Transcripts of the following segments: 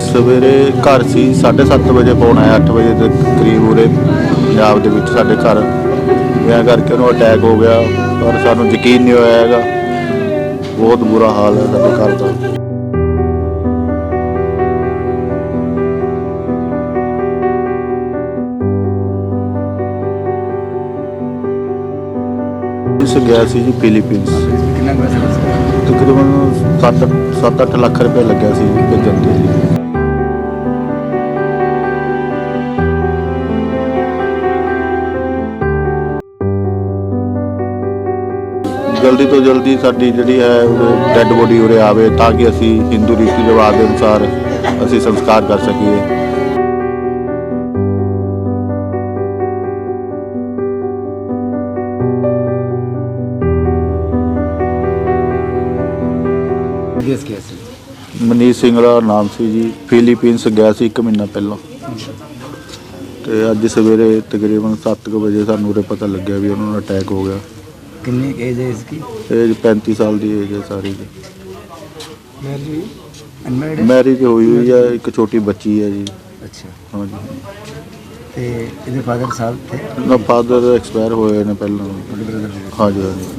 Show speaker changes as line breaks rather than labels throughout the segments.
सवेरे घर सी 7:30 बजे फोन आया 8 बजे के करीब उरे पंजाब के साढ़े घर मैं करके उन्होंने अटैक हो गया पर सानू यकीन नहीं होया हैगा। बहुत बुरा हाल है साढ़े घर का। गया सी जी फिलीपींस तकरीबन 7-8 लाख रुपये लग्या सी भेजन के जी। जल्दी तो जल्दी साडी जिहड़ी है डैड बॉडी उरे आवे ताकि असी हिंदू रीति रिवाज के अनुसार असी संस्कार कर सकीए। मनीष सिंगला नाम से जी। फिलीपींस गया सी 1 महीना पहला तो अज सवेरे तकरीबन 7 बजे सानू उरे पता लग्या भी उन्होंने अटैक हो गया।
कितनी एज है इसकी?
एज 35 साल की एज है सारी की। मैरिज हुई है, एक छोटी बच्ची है जी।
अच्छा
हाँ जी।
ते इहदे फादर साहब थे
ना फादर एक्सपायर होए ने पहला। हाँ जी हाँ जी।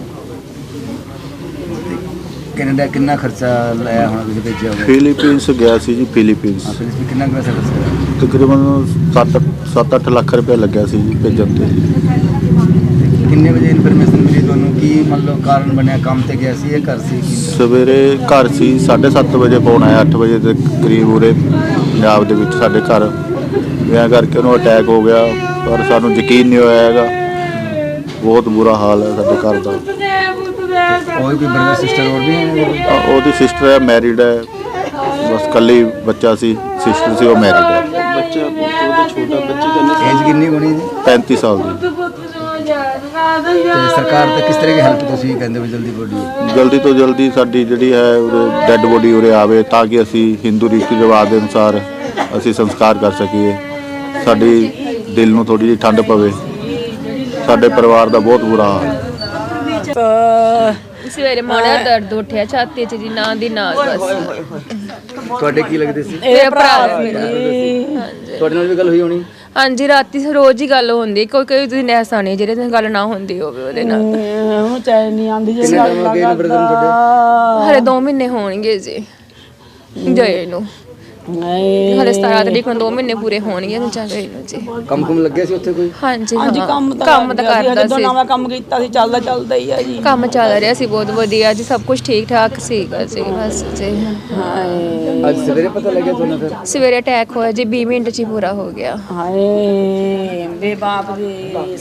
कनाडा कितना खर्चा लाया होना तुसीं भेजिया होगा?
फिलीपींस गया सी जी फिलीपींस
फिलीपींस कितना पैसा खर्चा?
तकरीबन 7-8 लाख रुपया लग्या सी जी भेजन ते।
कितने बजे इन्फॉर्मेशन मिली ਤੁਹਾਨੂੰ ਕੀ मतलब कारण बनया काम ਤੇ ਗਿਆ ਸੀ ਇਹ ਘਰ ਸੀ?
सवेरे घर सी 7:30 बजे फोन आया 8 बजे के करीब उरे पंजाब के साढ़े घर मैं करके उन्होंने अटैक हो गया पर सानू यकीन नहीं होया हैगा। बहुत बुरा हाल है साढ़े घर का।
और भी ब्रदर सिस्टर और भी हैं?
ਉਹਦੀ ਸਿਸਟਰ ਹੈ ਮੈਰਿਡ ਹੈ ਬਸ ਕੱਲੀ ਬੱਚਾ ਸੀ ਸਿਸਟਰ ਸੀ ਉਹ ਮੈਰਿਡ ਹੈ।
ਬੱਚਾ ਉਹਦਾ ਛੋਟਾ ਬੱਚੇ ਦਾ
एज कितनी होनी है?
35 साल ਦੀ।
ਤੇ ਸਰਕਾਰ ਤੇ ਕਿਸ ਤਰ੍ਹਾਂ ਦੀ ਹੈਲਪ ਤੁਸੀਂ ਕਹਿੰਦੇ ਹੋ ਜਲਦੀ ਬੋਡੀ?
ਜਲਦੀ ਤੋਂ ਜਲਦੀ ਸਾਡੀ ਜਿਹੜੀ ਹੈ ਡੈਡ ਬੋਡੀ ਉਰੇ ਆਵੇ ਤਾਂ ਕਿ ਅਸੀਂ ਹਿੰਦੂ ਰੀਤੀ ਰਿਵਾਜ ਦੇ ਅਨੁਸਾਰ ਅਸੀਂ ਸੰਸਕਾਰ ਕਰ ਸਕੀਏ। ਸਾਡੀ ਦਿਲ ਨੂੰ ਥੋੜੀ ਜਿਹੀ ਠੰਡ ਪਵੇ। ਸਾਡੇ ਪਰਿਵਾਰ ਦਾ ਬਹੁਤ ਬੁਰਾ ਹਾਲ ਹੈ।
ਸਵੇਰੇ ਮਾੜਾ ਦਰਦ ਉੱਠਿਆ ਛਾਤੀ 'ਚ ਜੀ ਨਾਂ ਦੀ ਨਾਂ ਬਸ।
ਤੁਹਾਡੇ ਕੀ ਲੱਗਦੇ ਸੀ?
ਮੇਰਾ ਭਰਾ ਮੇਰਾ।
ਤੁਹਾਡੇ ਨਾਲ ਵੀ ਗੱਲ ਹੋਈ ਹੋਣੀ?
ਹਾਂਜੀ ਰਾਤੀ ਰੋਜ਼ ਹੀ ਗੱਲ ਹੁੰਦੀ ਕੋਈ ਦਿਨ ਐਸਾ ਨਹੀਂ ਜਿਹੜੇ ਦਿਨ ਗੱਲ ਨਾ ਹੁੰਦੀ ਹੋਵੇ ਉਹਦੇ ਨਾਲ।
ਉਹ ਚਾਹ ਨਹੀਂ ਆਂਦੀ
ਕਿੰਨੇ ਟਾਈਮ ਹੋ ਗਏ ਨੇ ਬ੍ਰਦਰ ਤੁਹਾਡੇ?
ਹਲੇ 2 ਮਹੀਨੇ ਹੋਣਗੇ ਜੀ ਗਏ ਨੂੰ। ਹਲੇ 17 ਤਰੀਕ ਨੂੰ 2 ਮਹੀਨੇ ਪੂਰੇ ਹੋਣਗੇ ਨੂੰ ਜਾ ਗਏ ਨੂੰ ਜੀ।
ਕੰਮ ਲੱਗਿਆ ਸੀ ਉੱਥੇ ਕੋਈ?
ਹਾਂਜੀ
ਹਾਂਜੀ
ਕੰਮ ਤਾਂ ਕਰਦਾ
ਜਦੋਂ
ਸੀ।
ਨਵਾਂ ਕੰਮ ਕੀਤਾ ਸੀ ਚੱਲਦਾ ਹੀ ਆ ਜੀ।
ਕੰਮ ਚੱਲ ਰਿਹਾ ਸੀ ਬਹੁਤ ਵਧੀਆ ਜੀ ਸਭ ਕੁਝ ਠੀਕ ਠਾਕ ਸੀਗਾ ਜੀ ਬਸ ਜੀ।
ਅੱਜ ਸਵੇਰੇ ਪਤਾ ਲੱਗਿਆ ਤੁਹਾਨੂੰ ਫਿਰ?
ਸਵੇਰੇ ਅਟੈਕ ਹੋਇਆ ਜੀ 20 ਮਿੰਟ 'ਚ ਹੀ ਪੂਰਾ ਹੋ ਗਿਆ।
ਹਾਏ ਬੇ ਬਾਪ ਦੇ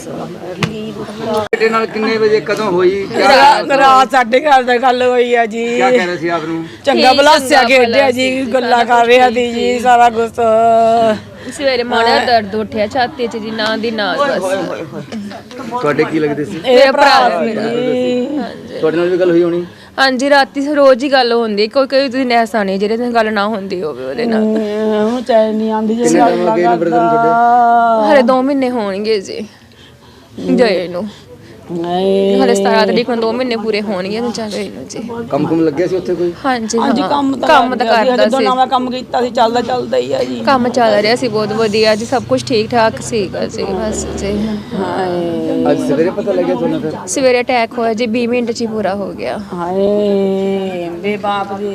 ਬੇਟੇ ਨਾਲ ਕਿੰਨੇ ਵਜੇ ਕਦੋਂ ਹੋਈ?
ਰਾਤ ਸਾਡੇ ਘਰ ਦਾ ਗੱਲ ਹੋਈ ਆ ਜੀ।
ਕੀ ਕਹਿ ਰਹੇ ਸੀ ਆਪ ਨੂੰ?
ਚੰਗਾ ਬਲਾਸਿਆ ਖੇਡਿਆ ਜੀ ਗੱਲਾਂ ਕਰ ਰਿਹਾ ਸੀ ਜੀ ਸਾਰਾ ਕੁਛ।
ਸਵੇਰੇ ਮਾੜਾ ਦਰਦ ਉੱਠਿਆ ਛਾਤੀ 'ਚ ਜੀ ਨਾਂ ਦੀ ਨਾਂ ਬਸ।
ਤੁਹਾਡੇ ਕੀ ਲੱਗਦੇ ਸੀ?
ਮੇਰਾ ਭਰਾ ਮੇਰਾ।
ਤੁਹਾਡੇ ਨਾਲ ਵੀ ਗੱਲ ਹੋਈ ਹੋਣੀ?
ਹਾਂਜੀ ਰਾਤੀ ਰੋਜ਼ ਹੀ ਗੱਲ ਹੁੰਦੀ ਕੋਈ ਦਿਨ ਐਸਾ ਨਹੀਂ ਜਿਹੜੇ ਦਿਨ ਗੱਲ ਨਾ ਹੁੰਦੀ ਹੋਵੇ ਉਹਦੇ ਨਾਲ।
ਉਹ ਚਾਹ ਨਹੀਂ ਆਂਦੀ
ਕਿੰਨੇ ਟਾਈਮ ਹੋ ਗਏ ਨੇ ਬ੍ਰਦਰ ਤੁਹਾਡੇ?
ਹਲੇ 2 ਮਹੀਨੇ ਹੋਣਗੇ ਜੀ ਗਏ ਨੂੰ। ਹਲੇ 17 ਤਰੀਕ ਨੂੰ 2 ਮਹੀਨੇ ਪੂਰੇ ਹੋਣਗੇ ਨੂੰ ਜਾ ਗਏ ਨੂੰ ਜੀ।
ਕੰਮ ਲੱਗਿਆ ਸੀ ਉੱਥੇ ਕੋਈ?
ਹਾਂਜੀ
ਹਾਂਜੀ ਕੰਮ ਤਾਂ
ਕਰਦਾ
ਜਦੋਂ
ਸੀ।
ਨਵਾਂ ਕੰਮ ਕੀਤਾ ਸੀ ਚੱਲਦਾ ਹੀ ਆ ਜੀ।
ਕੰਮ ਚੱਲ ਰਿਹਾ ਸੀ ਬਹੁਤ ਵਧੀਆ ਜੀ ਸਭ ਕੁਝ ਠੀਕ ਠਾਕ ਸੀਗਾ ਜੀ ਬਸ ਜੀ।
ਅੱਜ ਸਵੇਰੇ ਪਤਾ ਲੱਗਿਆ ਤੁਹਾਨੂੰ ਫਿਰ?
ਸਵੇਰੇ ਅਟੈਕ ਹੋਇਆ ਜੀ 20 ਮਿੰਟ 'ਚ ਹੀ ਪੂਰਾ ਹੋ ਗਿਆ।
ਹਾਏ ਬੇ ਬਾਪ ਦੇ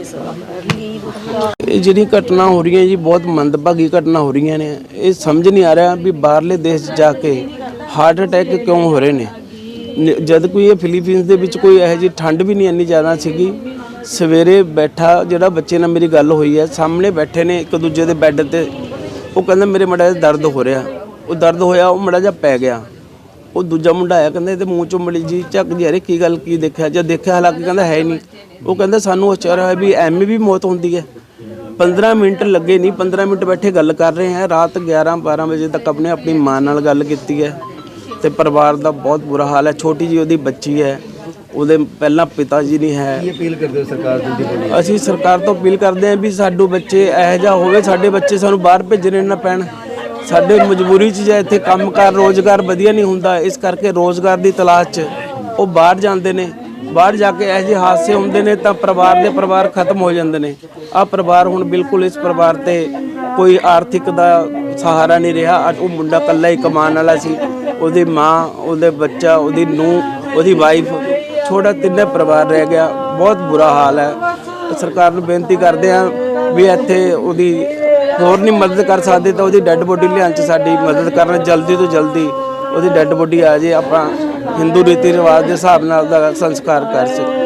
ਇਹ ਜਿਹੜੀ ਘਟਨਾ ਹੋ ਰਹੀਆਂ ਜੀ ਬਹੁਤ ਮੰਦਭਾਗੀ ਘਟਨਾ ਹੋ ਰਹੀਆਂ ਨੇ। ਇਹ ਸਮਝ ਨਹੀਂ ਆ ਰਿਹਾ ਵੀ ਬਾਹਰਲੇ ਦੇਸ਼ 'ਚ ਜਾ ਕੇ ਹਾਰਟ ਅਟੈਕ ਕਿਉਂ ਹੋ ਰਹੇ ਨੇ ਜਦ ਕੋਈ ਇਹ ਫਿਲੀਪੀਨਸ ਦੇ ਵਿੱਚ ਕੋਈ ਇਹੋ ਜਿਹੀ ਠੰਡ ਵੀ ਨਹੀਂ ਇੰਨੀ ਜ਼ਿਆਦਾ ਸੀਗੀ। ਸਵੇਰੇ ਬੈਠਾ ਜਿਹੜਾ ਬੱਚੇ ਨਾਲ ਮੇਰੀ ਗੱਲ ਹੋਈ ਹੈ ਸਾਹਮਣੇ ਬੈਠੇ ਨੇ ਇੱਕ ਦੂਜੇ ਦੇ ਬੈੱਡ ਤੇ। ਉਹ ਕਹਿੰਦਾ ਮੇਰੇ ਮੜਾ ਜਿਹਾ ਦਰਦ ਹੋ ਰਿਹਾ। ਉਹ ਦਰਦ ਹੋਇਆ ਉਹ ਮੜਾ ਜਿਹਾ ਪੈ ਗਿਆ। ਉਹ ਦੂਜਾ ਮੁੰਡਾ ਆਇਆ ਕਹਿੰਦਾ ਇਹਦੇ ਮੂੰਹ ਚੋਂ ਮੜੀ ਜੀ ਝੱਕ ਜੀ ਅਰੇ ਕੀ ਗੱਲ ਕੀ ਦੇਖਿਆ? ਜਦ ਦੇਖਿਆ ਹਾਲਾਂਕਿ ਕਹਿੰਦਾ ਹੈ ਨਹੀਂ। ਉਹ ਕਹਿੰਦਾ ਸਾਨੂੰ ਅਚਾਰ ਹੋਇਆ ਵੀ ਐਵੇਂ ਵੀ ਮੌਤ ਹੁੰਦੀ ਹੈ। 15 ਮਿੰਟ ਲੱਗੇ ਨਹੀਂ 15 ਮਿੰਟ ਬੈਠੇ ਗੱਲ ਕਰ ਰਹੇ ਹਾਂ। ਰਾਤ 11-12 ਵਜੇ ਤੱਕ ਆਪਣੀ ਮਾਂ ਨਾਲ ਗੱਲ ਕੀਤੀ ਹੈ ਤੇ ਪਰਿਵਾਰ ਦਾ ਬਹੁਤ ਬੁਰਾ ਹਾਲ ਹੈ। ਛੋਟੀ ਜੀ ਉਹਦੀ ਬੱਚੀ ਹੈ ਉਹਦੇ ਪਹਿਲਾਂ ਪਿਤਾ ਜੀ ਨਹੀਂ ਹੈ।
ਕੀ ਅਪੀਲ ਕਰਦੇ ਹੋ ਸਰਕਾਰ ਤੋਂ?
ਅਸੀਂ ਸਰਕਾਰ ਤੋਂ ਅਪੀਲ ਕਰਦੇ ਹਾਂ ਵੀ ਸਾਡੇ ਬੱਚੇ ਇਹੋ ਜਿਹਾ ਹੋਵੇ ਸਾਡੇ ਬੱਚੇ ਸਾਨੂੰ ਬਾਹਰ ਭੇਜਣੇ ਨਾ ਪੈਣ। ਸਾਡੇ ਮਜਬੂਰੀ 'ਚ ਜਾਂ ਇੱਥੇ ਕੰਮਕਾਰ ਰੋਜ਼ਗਾਰ ਵਧੀਆ ਨਹੀਂ ਹੁੰਦਾ ਇਸ ਕਰਕੇ ਰੋਜ਼ਗਾਰ ਦੀ ਤਲਾਸ਼ 'ਚ ਉਹ ਬਾਹਰ ਜਾਂਦੇ ਨੇ। ਬਾਹਰ ਜਾ ਕੇ ਇਹੋ ਜਿਹੇ ਹਾਦਸੇ ਹੁੰਦੇ ਨੇ ਤਾਂ ਪਰਿਵਾਰ ਖਤਮ ਹੋ ਜਾਂਦੇ ਨੇ। ਆਹ ਪਰਿਵਾਰ ਹੁਣ ਬਿਲਕੁਲ ਇਸ ਪਰਿਵਾਰ ਤੇ ਕੋਈ ਆਰਥਿਕ ਦਾ ਸਹਾਰਾ ਨਹੀਂ ਰਿਹਾ। ਅੱਜ ਉਹ ਮੁੰਡਾ ਇਕੱਲਾ ਹੀ ਕਮਾਉਣ ਵਾਲਾ ਸੀ, ਉਹਦੀ ਮਾਂ, ਉਹਦੇ ਬੱਚਾ, ਉਹਦੀ ਨੂੰਹ, ਉਹਦੀ ਵਾਈਫ, ਛੋਟਾ ਤਿੰਨੇ ਪਰਿਵਾਰ ਰਹਿ ਗਿਆ। ਬਹੁਤ ਬੁਰਾ ਹਾਲ ਹੈ। ਸਰਕਾਰ ਨੂੰ ਬੇਨਤੀ ਕਰਦੇ ਆ ਵੀ ਇੱਥੇ ਉਹਦੀ ਹੋਰ ਨਹੀਂ ਮਦਦ ਕਰ ਸਕਦੇ ਤਾਂ ਉਹਦੀ ਡੈੱਡ ਬੋਡੀ ਲਿਆਉਣ 'ਚ ਸਾਡੀ ਮਦਦ ਕਰਨ, ਜਲਦੀ ਤੋਂ ਜਲਦੀ ਉਹਦੀ ਡੈੱਡ ਬੋਡੀ ਆ ਜੇ, ਆਪਾਂ ਹਿੰਦੂ ਰੀਤੀ ਰਿਵਾਜ ਦੇ ਹਿਸਾਬ ਨਾਲ ਉਹਦਾ ਸੰਸਕਾਰ ਕਰ ਸਕੀਏ।